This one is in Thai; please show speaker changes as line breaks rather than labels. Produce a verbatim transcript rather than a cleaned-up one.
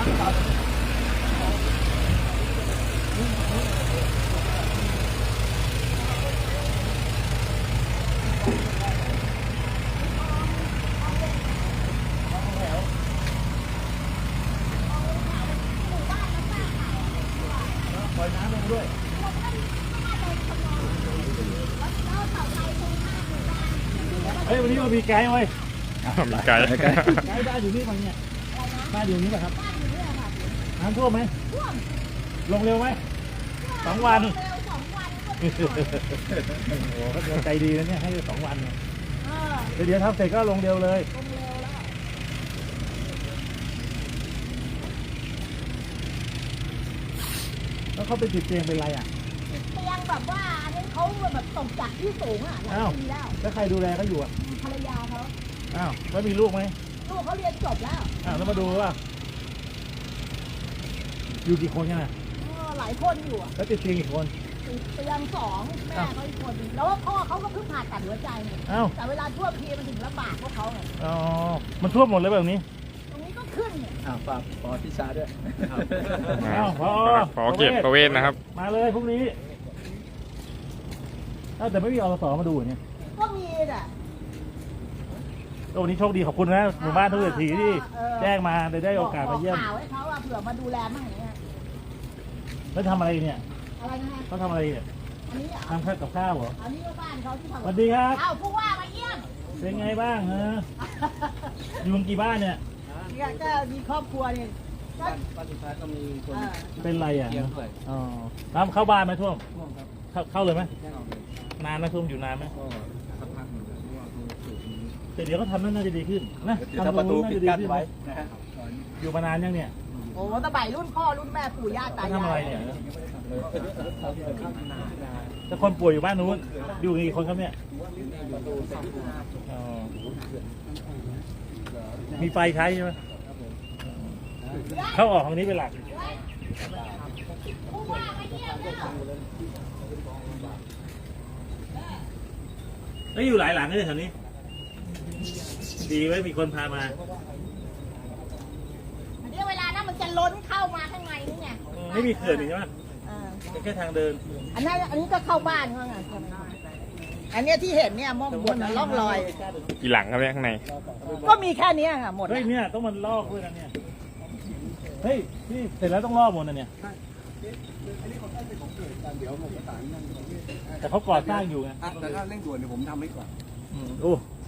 ปล่อยน้ำลงด้วยเฮ้ยวันนี้เรามีไกด์ไหม
มีไกด์
ไกด์บ้านอยู่นี่มั้งเนี่ยบ้านอยู่นี่ป่ะครับน้ำท่วมไหมลงเร็วไหมสองวันโอ้โหเขาใจดีนะเนี่ยให้สองวันเนี่ยเดี๋ยวทำเสร็จก็ลงเร็วเลยแล้วเขาไปติดเตียงเป็นไรอ่ะ
เตียงแบบว่าอันนี้เขาแบบตกจากที่สูงอ่ะหลายปีแล้ว
แล้วใครดูแลเขาอยู่อ่ะ
ภรรยาเขา
อ้าวแล้วมีลูกไหม
ลูกเขาเรียนจบแล้ว
อ้าวแล้วมาดูว่าอยู่กี่คนกันอ่ะ
หลายคนอยู่อ่ะ
แล้วติดเตียงกี่คน
เตียงสองแม่เขาอีกคนแล้วพ่อเขาก็เพิ่งผ่าตัดหัวใจไงแต่เวลาท่วมทีมันถึงลำบากพวกเขาไง
อ๋อมันท่วมหมดเลยแบบนี้
ตรงนี้ก็ขึ้นเนี่ย
อ้าวฝากปอที่ชาด้วย
อ้าวพอ
พอเก็บประเวศนะครับ
มาเลยพรุ่งนี้แต่ไม่มีอสมาดูเนี่ย
ก็มีอ่ะ
วันนี้โชคดีขอบคุณนะหมู่บ้านทุกทีที่แจ้งมาได้ได้โอกาสมาเยี่ยม
ข่าวให้เขาเผื่อมาดูแลมั่งอย่างเงี้ย
แล้วทำอะไรเนี่ย
อะไรนะ
เขาทำอะไรเนี่ย
อันนี้
ทำข้าวกับข้าวเหรอ
อันนี้ก็บ้านเขาที่ทำ
สวัสดีครับ
อ้าวผู้ว่ามาเยี่ยม
เป็นไงบ้างฮะอยู่กี่บ้านเนี่ย
ก็มีครอบครัวเนี่ย
บ้านบ้านสุดท้ายก็มีคน
เป็นไรอ่ะอ๋อน้ำเข้าบ้านไหมท่วมเข้าเข้าเลยไหมนานไหมท่วมอยู่นานไหม
สักพักหนึ่ง
แต่เดี๋ยวก็ทำนั่นน่าจะดีขึ้นนะ
ทำประตูปิดกั้นไว้นะฮะ
อยู่มานานยังเนี่ย
โอ้ตะไบรุ่นพ่อรุ่นแม่ปู่ย่าตายาย
ทำอะไรเนี่ยถ้าคนป่วยอยู่บ้านนู้นอยู่กี่คนครับเนี่ยมีไฟใช้ใช่ไหมเข้าออกทางนี้เป็นหลักแล้วอยู่หลายหลังเลยแถวนี้ดีไว้มีคนพามา
อันนี้เวลานั้นมันจะล้นเข้ามาข้างในนี่ไง
ไม่มีเขื่อนใช่ไหมเป็นแค่ทางเดิน
อันนั้นอันนี้ก็เข้าบ้านเขาไงอันนี้ที่เห็นเนี่ยมองบนล่องลอย
กี่หลังครับเนี่ยข้างใน
ก็มีแค่นี้ค่ะหมด
เฮ้ยเนี่ยต้องมันลอกด้วยนะเนี่ยเฮ้ยที่เสร็จแล้วต้องลอกหมดนะเนี่ยแต่เขาก่อสร้างอยู่ไง
แต่ถ้าเร่งด่วนเนี่ยผมทำให้ก่อน
โอ้